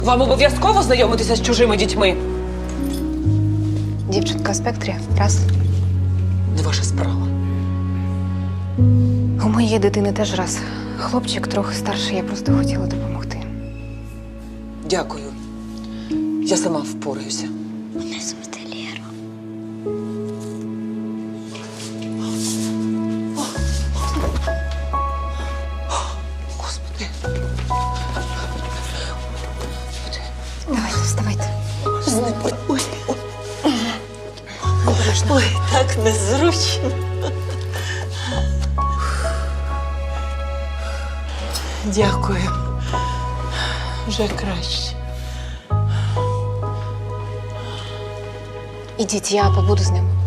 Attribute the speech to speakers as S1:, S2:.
S1: Вам обов'язково знайомитися з чужими дітьми?
S2: Дівчинка в спектрі. Раз.
S1: Не ваша справа.
S2: У моєї дитини теж раз. Хлопчик трохи старший, я просто хотіла допомогти.
S1: Дякую. Я сама впораюся.
S3: Мене звати Лєра.
S1: Господи.
S2: Давайте, вставайте.
S1: Знипи. Ой, так незручно. Дякую. Вже краще.
S2: Ідіть, я побуду з ним.